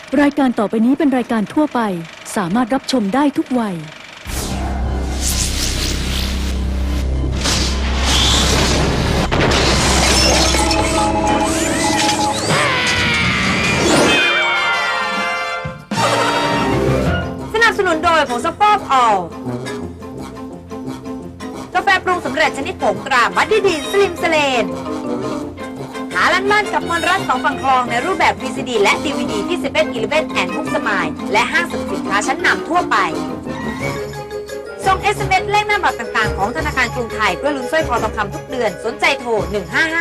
รายการต่อไปนี้เป็นรายการทั่วไปสามารถรับชมได้ทุกวัยสนับสนุนโดยผงซักฟอกออลกาแฟปรุงสำเร็จชนิดผงตราบัดดี้ดีนสลิมสเลนหาล้านมั่นกับมอนรัสสองฝั่งคลองในรูปแบบ VCD และ DVD ที่11-11 แอนด์บุ๊กสมายและห้างสรรพสินค้าชั้นนำทั่วไปส่ง SMS เลขหน้าบัตรต่างๆของธนาคารกรุงไทยเพื่อลุ้นสร้อยคอทองคำทุกเดือนสนใจโทร 1551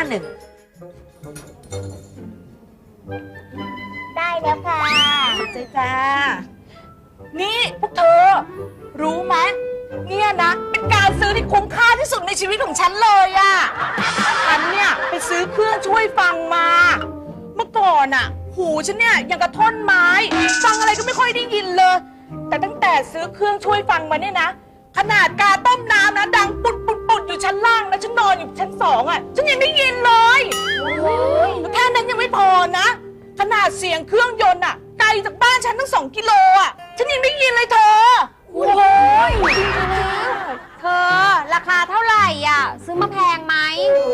ได้แล้วค่ะใจจ้านี่พวกเธอ รู้ไหมเนี่ยนะ เป็นการซื้อที่คุ้มค่าที่สุดในชีวิตของฉันเลยอะฉันเนี่ยไปซื้อเครื่องช่วยฟังมา เมื่อก่อนอะหูฉันเนี่ยยังกระท่อนไม้ฟังอะไรก็ไม่ค่อยได้ยินเลย แต่ตั้งแต่ซื้อเครื่องช่วยฟังมาเนี่ยนะ ขนาดกาต้มน้ำนะดังปุดปุดปุดอยู่ชั้นล่างนะฉันนอนอยู่ชั้น2อะฉันยังได้ยินเลยแล้วแค่นั้นยังไม่พอนะ ขนาดเสียงเครื่องยนต์อะไกลจากบ้านฉันตั้ง2 กิโลอะฉันยังได้ยินเลยเธอโอ้ยเธอราคาเท่าไหร่อ่ะ ซื้อมาแพงไหม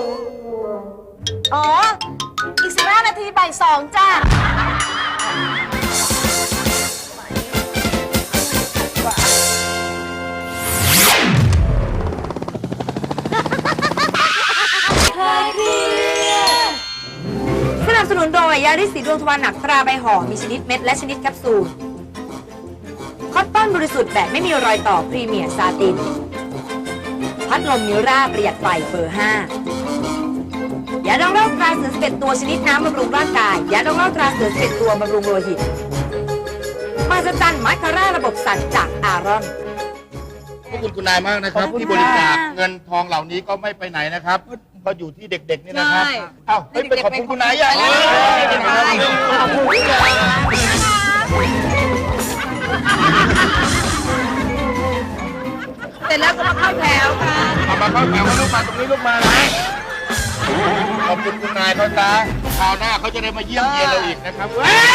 อ๋อ อีก15 นาทีบ่าย2จ้าสนับสนุนโดยยาริสสีดวงทวารหนักตราใบห่อมีชนิดเม็ดและชนิดแคปซูลคอตตอนบริสุทธิ์แบบไม่มีรอยต่อพรีเมียร์ซาตินพัดลมมิราประหยัดไฟเบอร์ 5ยาดองเหล้าตราเสือ11 ตัวชนิดน้ำบำรุงร่างกายยาดองเหล้าตราเสือ11 ตัวบำรุงโลหิตมาสจันมัคคาร่าระบบสั่นจากอารอนขอบคุณคุณนายมากนะครับที่บริจาคเงินทองเหล่านี้ก็ไม่ไปไหนนะครับก็อยู่ที่เด็กๆนี่นะครับเอ้าเฮ้ยไปขอบคุณคุณนายยังขอบคุณเสร็จแล้วก็มาเข้าแถวค่ะเอามาเข้าแถวลูกมาตรงนี้ลูกมานะขอบคุณคุณนายเขาจ้าคราวหน้าเขาจะได้มาเยี่ยมเยียนเราอีกนะครับ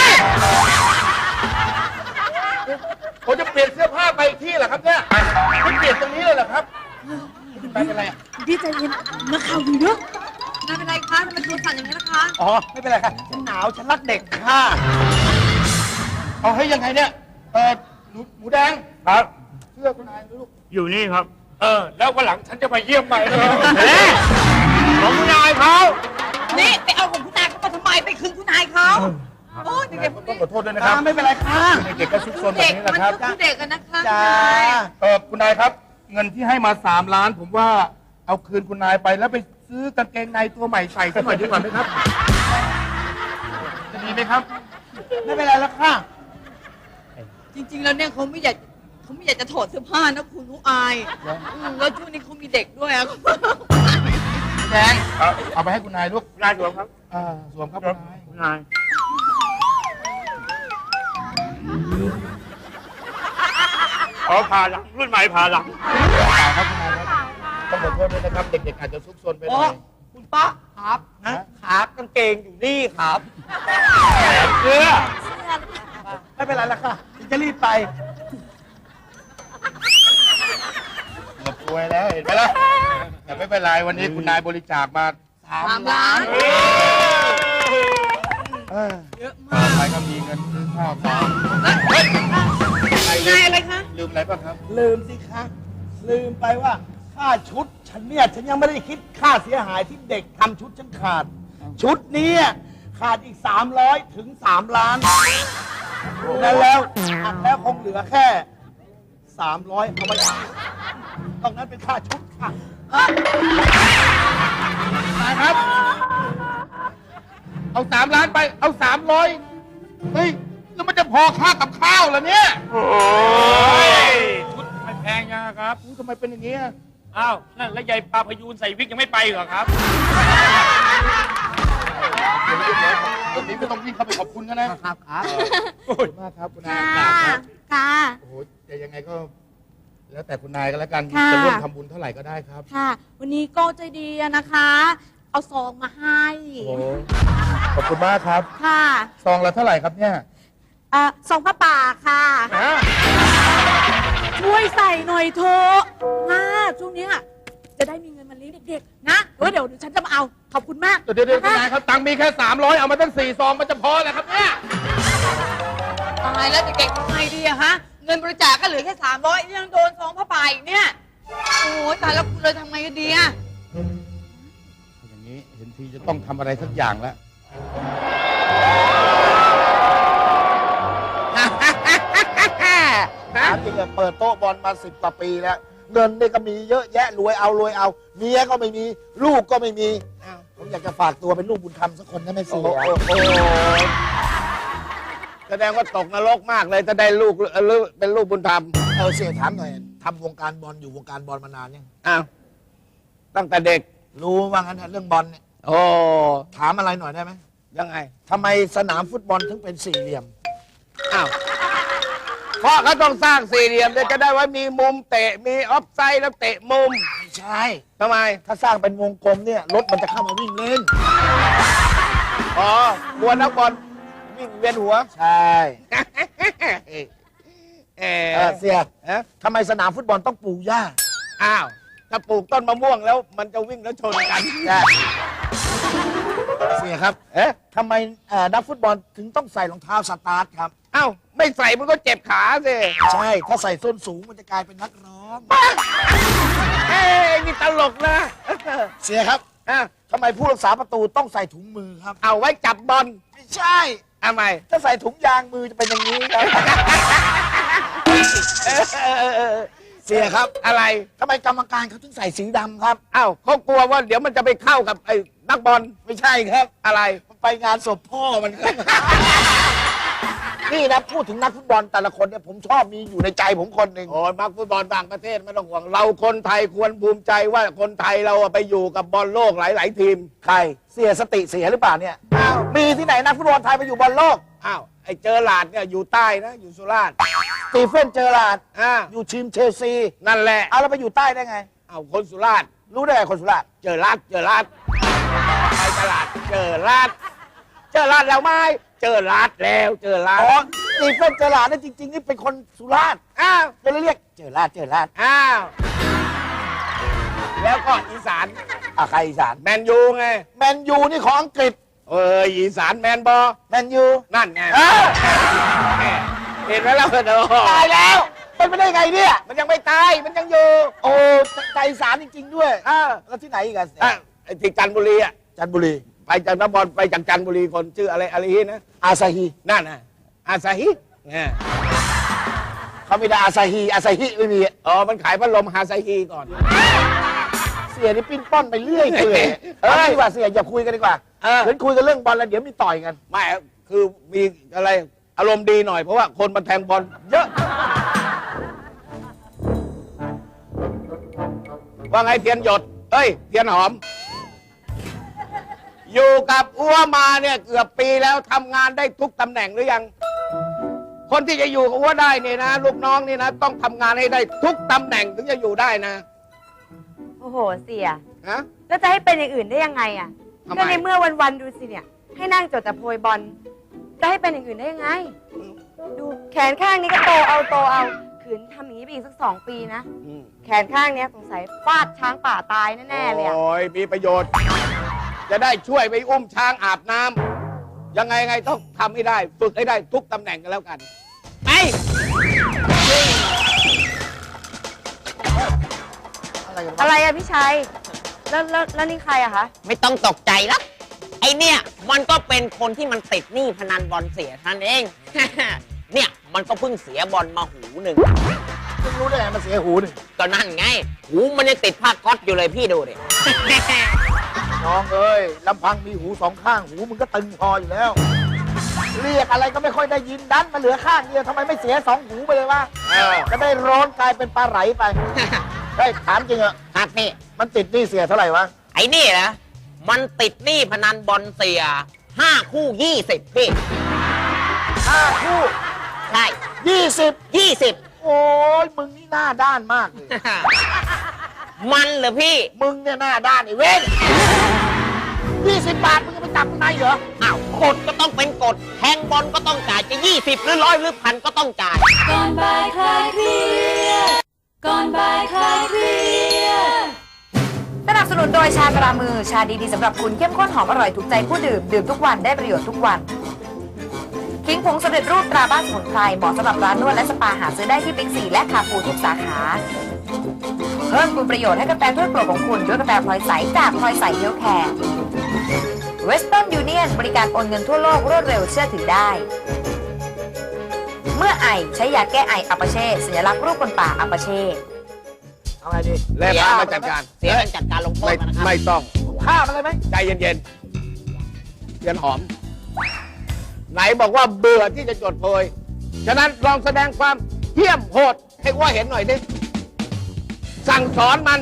ผมจะเปลี่ยนเสื้อผ้าไปที่เหรอครับเนี่ยคุณเปลี่ยนตรงนี้เลยเหรอครับไปเป็นไรอ่ะดีใจเย็นนักข่าวอยู่เยอะไม่เป็นไรคะทำไมตัวสั่นอย่างนี้ล่ะคะอ๋อไม่เป็นไรครับฉันหนาวฉันรักเด็กค่ะเอาให้ยังไงเนี่ยหมูแดงครับเสื้อคุณนายลูกอยู่นี่ครับ แล้ววันหลังฉันจะมาเยี่ยมใหม่นะครับของคุณนายเขานี่ไปเอาของคุณนายเขามาทำไมไปคืนคุณนายเขาโอ้เด็กๆพวกต้อนี้งขอโทษด้วยนะครับไม่เป็นไรค่ะเด็กๆก็ซุกซนแบบนี้แหละครับเด็กกันนะคะจ้าคุณนายครับ เงินที่ให้มา3 ล้าน ผมว่าเอาคืนคุณนายไปแล้วไปซื้อกางเกงในตัวใหม่ใส่สักหน่อยดีกว่าไหมครับจะดีไหมครับ ไม่เป็นไรแล้วค่ะจริงๆแล้วเนี่ยเขาไม่อยากจะถอดเสื้อผ้านะคุณเขาอายแล้วช่วงนี้เขามีเด็กด้วยอะแดงเอาไปให้คุณนายลูกนายสวมครับสวมครับคุณนายคุณนายผ่าหลังรุ่นใหม่ผ่าหลังครับคุณนายครับต้องขอโทษด้วยนะครับ เด็กๆอาจจะซุกซนไปหน่อยคุณป้าครับครับกางเกงอยู่นี่ครับเสื้อไม่เป็นไรแล้วค่ะจะรีบไปหมดตัวแล้วเห็นไหมล่ะแต่ไม่เป็นไรวันนี้คุณนายบริจาคมา3 ล้านเยอะมากใครก็มีเงินซื้อข้าวของอะไรคะลืมอะไรป่ะครับลืมสิคะ ลืมไปว่าค่าชุดฉันเนี่ยฉันยังไม่ได้คิดค่าเสียหายที่เด็กทำชุดฉันขาด ชุดนี้ขาดอีก300 ถึง 3 ล้านแล้วคงเหลือแค่300เอาไว้ตรงนั้นเป็นค่าชุดค่ะครับ เอา3 ล้านไปเอา300เฮ้ยแล้วมันจะพอค่ากับข้าวเหรอเนี่ยโอ้ยชุดไม่แพงยังครับทำไมเป็นอย่างนี้อ้าว นั่นแล้วยายปลาพยูนใส่วิกยังไม่ไปเหรอครับวันนี้ไม่ต้องวิ่งเข้าไปขอบคุณกันนะครับขอบคุณมากครับคุณนายค่ะ ค่ะโอ้โหแต่ยังไงก็ แล้วแต่คุณนายก็แล้วกันค่ะจะร่วมทำบุญเท่าไหร่ก็ได้ครับค่ะ วันนี้ก็ใจดีอะนะคะ เอาซองมาให้โอ้โหขอบคุณมากครับค่ะซองละเท่าไหร่ครับเนี่ยทรงพระป่าค่ะช่วยใส่หน่อยเถอะช่วงเนี้ยจะได้มีเงินมาเลี้ยงเด็กๆนะเดี๋ยวฉันจะมาเอาขอบคุณมากเดี๋ยวคุณนายครับตังค์มีแค่300เอามาตั้ง4 ซองมันจะพอแล้วครับเนี่ยตายแล้วเด็กๆทำไงดีอะฮะ เงินบริจาคก็เหลือแค่300ยังโดนซองผ้าป่าอีกเนี่ย โอ้ยตายแล้วคุณเลยทำไงกันดีอะอย่างนี้เห็นทีจะต้องทำอะไรสักอย่างแล้วถามจริงอะเปิดโต๊ะบอลมา10 กว่าปีแล้ว เงินนี่ก็มีเยอะแยะรวยเอาเมียก็ไม่มีลูกก็ไม่มีผมอยากจะฝากตัวเป็นลูกบุญธรรมสักคนนะแม่เสียแสดงว่าตกนรกมากเลยจะได้ลูกเป็นลูกบุญธรรมเสียถามหน่อยทำวงการบอลอยู่วงการบอลมานานยังอ้าวตั้งแต่เด็กรู้ว่างั้นนะเรื่องบอลเนี่ยโอ้ถามอะไรหน่อยได้ไหมยังไงทำไมสนามฟุตบอลถึงเป็นสี่เหลี่ยมอ้าวเพราะเขาต้องสร้างสี่เหลี่ยมจะได้ว่ามีมุมเตะมีออฟไซด์แล้วเตะมุมไม่ใช่ทำไมถ้าสร้างเป็นวงกลมเนี่ยรถมันจะเข้ามาวิ่งเล่นอ๋อกลัวนักบอลวิ่งเวียนหัวใช่ เสียเอ๊ะทำไมสนามฟุตบอลต้องปลูกหญ้าอ้าวถ้าปลูกต้นมะม่วงแล้วมันจะวิ่งแล้วชนกันเสียครับเอ๊ะทำไมนักฟุตบอลถึงต้องใส่รองเท้าสตาร์ทครับอ้าวไม่ใส่มันก็เจ็บขาสิใช่ ถ้าใส่ส้นสูงมันจะกลายเป็นนักร้องเอ้ยนี่ตลกนะเสียครับอ้าวทำไมผู้รักษาประตูต้องใส่ถุงมือครับเอาไว้จับบอลไม่ใช่ทำไมถ้าใส่ถุงยางมือจะเป็นอย่างนี้ครับ เสียครับอะไรทำไมกรรมการเขาถึงใส่สีดำครับอ้าวเขากลัวว่าเดี๋ยวมันจะไปเข้ากับไอ้นักบอลไม่ใช่ครับอะไรมันไปงานศพพ่อมันครับ นี่นะพูดถึงนักฟุตบอลแต่ละคนเนี่ยผมชอบมีอยู่ในใจผมคนหนึ่งโอ้ยมักฟุตบอลต่างประเทศไม่ต้องห่วง เราคนไทยควรภูมิใจว่าคนไทยเราอะไปอยู่กับบอลโลกหลาย ๆ ทีมใครเสียสติเสียหรือเปล่าเนี่ยมีที่ไหนนักฟุตบอลไทยไปอยู่บอลโลกอ้าวไอ้เจอหลาดเนี่ยอยู่ใต้นะ อยู่สุราษฎร์สตีเฟนเจอราร์ด อยู่ทีมเชลซีนั่นแหละเอาแล้วไปอยู่ใต้ได้ไงเอาคนสุราษฎร์รู้ได้ไงคนสุราษฎร์เจอลาดไปตลาดเจอลาดแล้วไหมเจอลาดแล้วเจอลาดอ๋อสตีเฟนเจอราร์ดเนี่ยจริงๆนี่เป็นคนสุราษฎร์อ้าวก็เลยเรียกเจอราร์ดเจอราร์ดอ้าวแล้วก็อีสานใครอีสานแมนยูไงแมนยูนี่ของอังกฤษอีสานแมนบอแมนยูนั่นไงเอ้าเห็นไหมล่ะเนอะตายแล้วเป็นไปได้ไงเนี่ยมันยังไม่ตายมันยังอยู่โอ้ใจอีสานจริงๆด้วยอ่าแล้วที่ไหนอีกอะไอ้ที่จันทบุรีอ่ะจันทบุรีไปจากนครไปจากจันทบุรีคนชื่ออะไรนะอาซาฮีนั่นน่ะอาซาฮิเนี่ยเขาไม่ได้อาซาฮีไม่มีอ๋อมันขายพัดลมฮาซาฮิก่อนเสียนี่ปิ้นป้อนไปเรื่อยเปื่อยเฮ้ยเอาดีกว่าเสียอย่าคุยกันดีกว่าเออเดี๋ยวคุยกันเรื่องบอลแล้วเดี๋ยวมีต่อยกันไม่คือมีอะไรอารมณ์ดีหน่อยเพราะว่าคนมาแทงบอลเยอะ ว่าไงเทียนหยดเอ้ยเทียนหอม อยู่กับอ้วมาเนี่ยเกือบปีแล้วทำงานได้ทุกตำแหน่งหรือยัง คนที่จะอยู่กับอ้วได้เนี่ยนะลูกน้องนี่นะต้องทำงานให้ได้ทุกตำแหน่งถึงจะอยู่ได้นะโอ้โห เสียฮะแล้วจะให้เป็นอย่างอื่นได้ยังไงอ่ะทำไมก็ในเมื่อวันๆดูสิเนี่ย ให้นั่งจดแต่โพยบอล จะให้เป็นอย่างอื่นได้ยังไง ดูแขนข้างนี้ก็โตเอาขืนทำอย่างนี้ไปอีกสัก2 ปีนะอืมแขนข้างเนี้ยสงสัยฟาดช้างป่าตายแน่ๆเลยอ่ะโอ้ยมีประโยชน์ จะได้ช่วยไปอุ้มช้างอาบน้ำยังไงต้องทำให้ได้ ฝึกให้ได้ทุกตำแหน่งกันแล้วกันไปอะไรอะพี่ชัย แล้วนี่ใครอะคะไม่ต้องตกใจแล้วไอเนี่ยมันก็เป็นคนที่มันติดหนี้พนันบอลเสียท่านเอง เนี่ยมันก็เพิ่งเสียบอลมาหูหนึ่งคุณรู้ได้ไงมันเสียหูหนึ่งก็นั่นไง หูมันยังติดผ้าก๊อตอยู่เลยพี่ดูดิน้องเอ้ยลำพังมีหูสองข้างหูมึงก็ตึงพออยู่แล้ว เรียกอะไรก็ไม่ค่อยได้ยินดันมาเหลือข้างเดียวทำไมไม่เสีย2 หูไปเลยวะจะได้ร้อนกลายเป็นปลาไหลไป เฮ้ยถามจริงเหรอครับนี่มันติดหนี่เสียเท่าไหร่วะไอ้นี่นะมันติดหนี้พนันบอลเสีย5 คู่ 20พี่ 5 คู่ใช่ 20 โอ้ยมึงนี่หน้าด้านมากเลยมันเหรอพี่มึงเนี่ยหน้าด้านไอ้เว้น20 บาทมึงจะไปจับข้างในเหรออ้าวผกฎก็ต้องเป็นกฎแทงบอลก็ต้องจ่ายจะ20หรือ100หรือ1,000ก็ต้องจ่ายก่อนบ่ายคลายเครียดก่อนบ่ายคลายเครียดสนับสนุนโดยชาตรามือชาดีๆสำหรับคุณเข้มข้นหอมอร่อยถูกใจผู้ดื่มดื่มทุกวันได้ประโยชน์ทุกวันคิงผงสำเร็จรูปตราบ้านสมุนไพรเหมาะสำหรับร้านนวดและสปาหาซื้อได้ที่บิ๊กซีและคาฟูทุกสาขาเพิ่มคุณประโยชน์ให้กาแฟถ้วยโปรดของคุณด้วยกาแฟพลอยใสจากพลอยใสเฮลท์แคร์เวสเทิร์นยูเนียนบริการโอนเงินทั่วโลกรวดเร็วเชื่อถือได้เมื่อไอใช้ยาแก้ไออัปาเช่สัญลักษณ์รูปคนป่าอัปาเช่เอาไงดีแล่พามาจัดการเสียมันจัดการลงโทษไม่มันนะครับไม่ต้องฆ่ามันเลยไหมใจเย็นๆเย็นหอม ไหนบอกว่าเบื่อที่จะจดโพย ฉะนั้นลองแสดงความเหี้ยมโหดให้อ้วเห็นหน่อยดิสั่งสอนมัน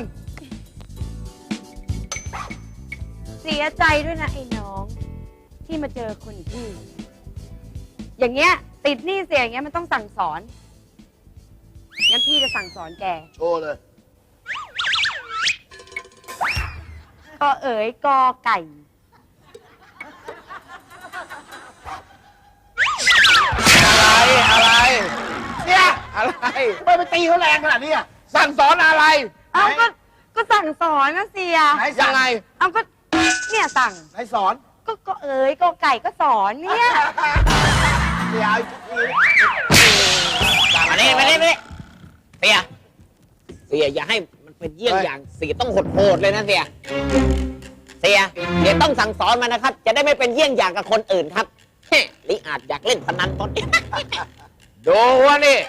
เสียใจด้วยนะไอ้น้อง ที่มาเจอคนพี่ อย่างเงี้ย ติดหนี้เสียอย่างเงี้ยมันต้องสั่งสอน งั้นพี่จะสั่งสอนแกโชว์เลยกอเอ๋ยกอไก่อะไรเนี่ยอะไรไม่ไปตีเขาแรงขนาดนี้อ่ะสั่งสอนอะไรเอาก็สั่งสอนนะเสียไหนสั่ยังไงเอาก็เนี่ยสั่งไหนสอนก็เอ๋ยกอไก่ก็สอนเนี่ยเดี๋ยวเอาอีกทีมานี่เสียอย่าให้มันเป็นเยี่ยงอย่างเสียต้องโหดเลยนะเสียต้องสั่งสอนมันนะครับ จะได้ไม่เป็นเยี่ยงอย่างกับคนอื่นครับลิอาจอยากเล่นพนันตอนนี้ดูวะนี่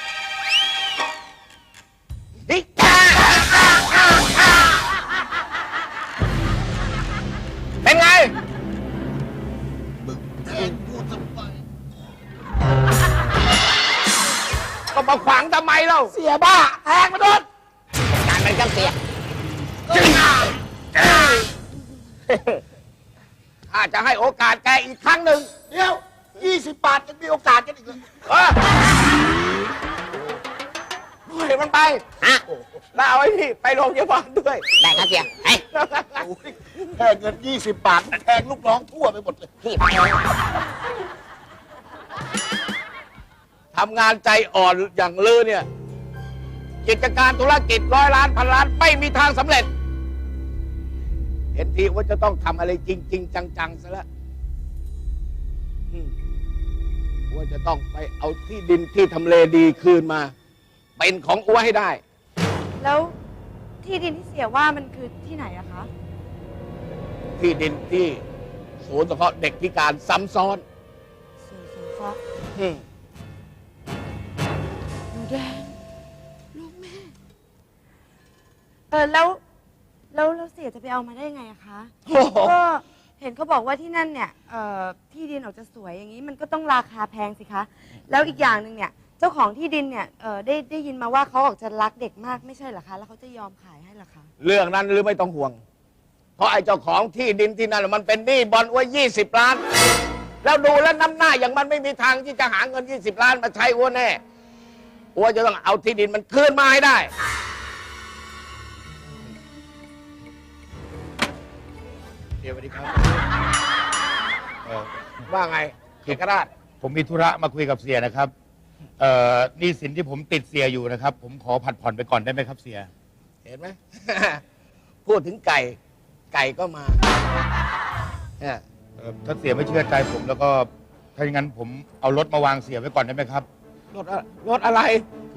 นี่เป็นไง ก็มาขวางทำไมเล่าเสียบ้าแทงมาโดนการเป็นกับเสียข้าจะให้โอกาสแกอีกครั้งหนึ่งเดี๋ยว20 บาทยังมีโอกาสกันอีกเลยเออปล่อยมันไปฮะแล้วเอาไอ้นี่ไปโรงพยาบาลด้วยได้ครับเสียไอ้โอ้ยแค่เงิน20 บาทแทงลูกน้องทั่วไปหมดเลยพี่ทำงานใจอ่อนอย่างลือเนี่ย กิจการธุรกิจ100 ล้าน1,000 ล้านไม่มีทางสำเร็จ เห็นทีว่าจะต้องทำอะไรจริง ๆ จังๆซะแล้วว่าจะต้องไปเอาที่ดินที่ทำเลดีคืนมา เป็นของอ้วให้ได้แล้วที่ดินที่เสียว่ามันคือที่ไหนอะคะที่ดินที่ศูนย์สงเคราะห์เด็กพิการซ้ำซ้อนศูนย์สงเคราะห์อืมหนูแดงลูกแม่แล้วเสียจะไปเอามาได้ไงอะคะโอ้โหก็เห็นเขาบอกว่าที่นั่นเนี่ยที่ดินออกจะสวยอย่างนี้มันก็ต้องราคาแพงสิคะ แล้วอีกอย่างหนึ่งเนี่ย เจ้าของที่ดินเนี่ยได้ยินมาว่าเขาออกจะรักเด็กมากไม่ใช่เหรอคะ แล้วเขาจะยอมขายให้เหรอคะเรื่องนั้นหรือไม่ต้องห่วง เพราะไอ้เจ้าของที่ดินที่นั่นมันเป็นหนี้บอลไว้20 ล้าน แล้วดูแล้วน้ำหน้าอย่างมันไม่มีทางที่จะหาเงิน20 ล้านมาใช้อ้วแน่อ้วจะต้องเอาที่ดินมันคืนมาให้ได้เดี๋ยวสวัสดีครับว่าไงเอกราชผมมีธุระมาคุยกับเสียนะครับหนี้สินที่ผมติดเสียอยู่นะครับ ผมขอผัดผ่อนไปก่อนได้ไหมครับเสียเห็นไหม พูดถึงไก่ ไก่ก็มาเนี่ยถ้าเสียไม่เชื่อใจผมแล้วก็ถ้าอย่างนั้นผมเอารถมาวางเสียไว้ก่อนได้ไหมครับรถอะไร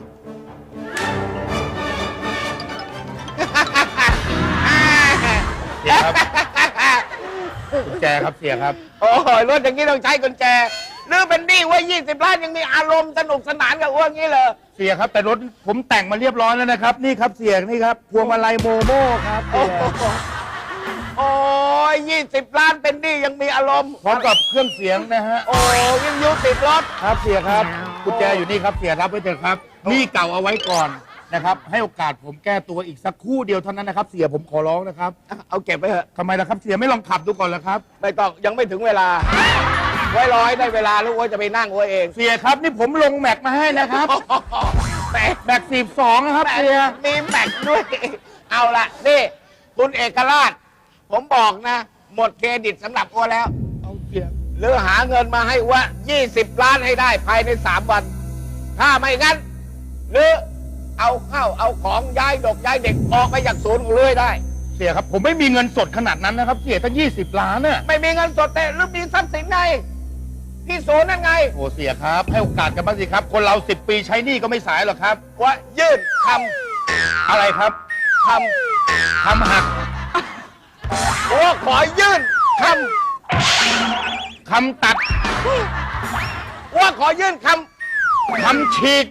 เสียครับ กุญแจครับเสียครับโอ้ยรถอย่างนี้ต้องใช้กุญแจหรือเป็นหนี้ว่า20 ล้านยังมีอารมณ์สนุกสนานกับอ้วงนี้เลยเสียครับแต่รถผมแต่งมาเรียบร้อยแล้วนะครับ นี่ครับเสียนี่ครับพวงมาลัยโมโม่ครับเสียโอ้ย20 ล้านเป็นหนี้ยังมีอารมณ์พร้อมกับเครื่องเสียงนะฮะโอ้ยวิทยุติดรถครับเสียครับกุญแจอยู่นี่ครับเสียรับไว้เถอะครับหนี่เก่าเอาไว้ก่อนนะครับ ให้โอกาสผมแก้ตัวอีกสักครู่เดียวเท่านั้นนะครับ เสียผมขอร้องนะครับเอาเก็บไปเถอะทำไมล่ะครับเสียไม่ลองขับดูก่อนล่ะครับไม่ต้องยังไม่ถึงเวลา ไว้รอให้ได้เวลาแล้วอ้วจะไปนั่งอ้วเองเสียครับนี่ผมลงแม็กมาให้นะครับ แม็ก12นะครับเสียมีแม็กด้วย เอาละนี่คุณเอกราช ผมบอกนะ หมดเครดิตสำหรับอ้วแล้วเอาเสียหรือหาเงินมาให้อ้ว20 ล้านให้ได้ภายใน3 วัน ถ้าไม่งั้น หรือเอาข้าวเอาของย้ายดอกย้ายเด็กออกไปจากศูนย์ของเรื่อยได้เสียครับ ผมไม่มีเงินสดขนาดนั้นนะครับ เสียตั้ง20 ล้านน่ะไม่มีเงินสดแต่หรือมีทรัพย์สินไงที่ศูนย์นั่นไงโอ้เสียครับ ให้โอกาสกันบ้างสิครับ คนเรา10 ปีใช้หนี้ก็ไม่สายหรอกครับว่ายื่นคอะไรครับำทำหักว่าขอยื่นคคำตัดำว่าขอยื่นคคำฉีก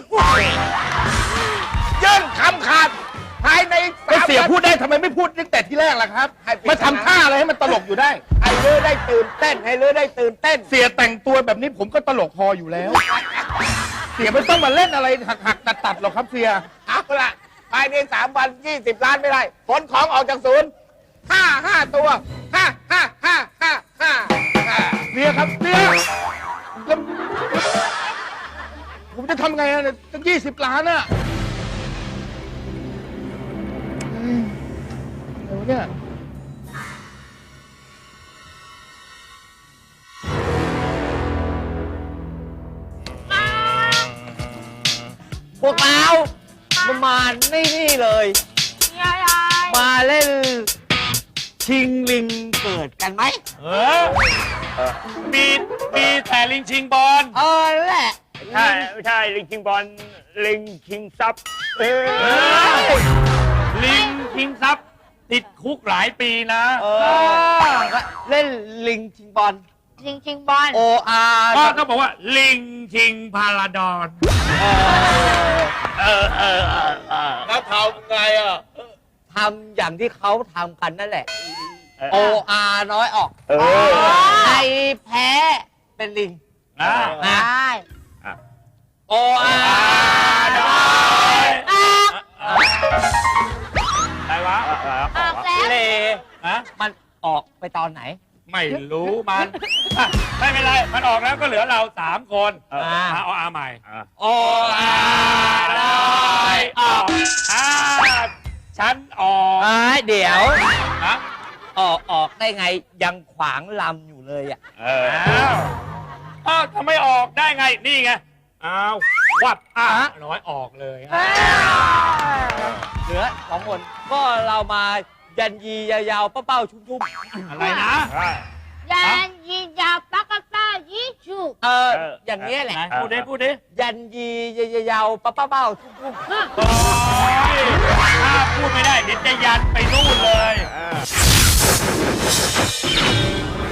ำยื่นคำขาดภายในก็เสียวันพูดได้ทำไมไม่พูดตั้งแต่ที่แรกล่ะครับให้ปิดมาทำท่าอะไรให้มันตลกอยู่ได้ให้เรือได้ตื่นเต้นให้เรือได้ตื่นเต้นเสียแต่งตัวแบบนี้ผมก็ตลกพออยู่แล้ว เสียไม่ต้องมาเล่นอะไรหักตัดหรอกครับเสียเอาละภายใน3 วัน20 ล้านไม่ได้ขนของออกจากศูนย์5 ตัว5 เสียครับเสียแล้วผมจะทำไงอะตั้ง20 ล้านอะเดี๋ยวเนี่ยพวกเรามานี่เลยมาเล่นชิงลิงเกิดกันไหมมีแต่ลิงชิงบอลแหละใช่ไม่ใช่ลิงชิงบอลลิงชิงทรัพย์ลิงชิงทรัพย์ติดคุกหลายปีนะเล่นลิงชิงบอลชิงบอล OR ก็ต้องบอกว่าลิงชิงพาราดอนแล้วทำไงอ่ะทำอย่างที่เขาทำกันนั่นแหละ OR น้อยออกใครแพ้เป็นลิงนะนะ OR น้อยออกอะไรวะออกแล้วเลฮะมันออกไปตอนไหนไม่รู้มันอ่ะไม่เป็นไร มันออกแล้วก็เหลือเรา3 คนเอาอาใหม่ OR น้อยออกฉันออกเดี๋ยวนะออกได้ไงยังขวางลำอยู่เลยอ่ะอ้าวทำไมออกได้ไง นี่ไง อ้าว วับน้อยออกเลยเหลือ2 คนก็เรามายันยียาวๆเป้าๆชุ่มๆอะไรนะยันยิงยาวปักกะป้ายิชูอย่างนี้ยแหละไหนพูดดิพูดดิยันยียาวๆเป้าๆชุ่มโอ้ยถ้าพูดไม่ได้เดี๋ยวจะยันไปนู่นเลย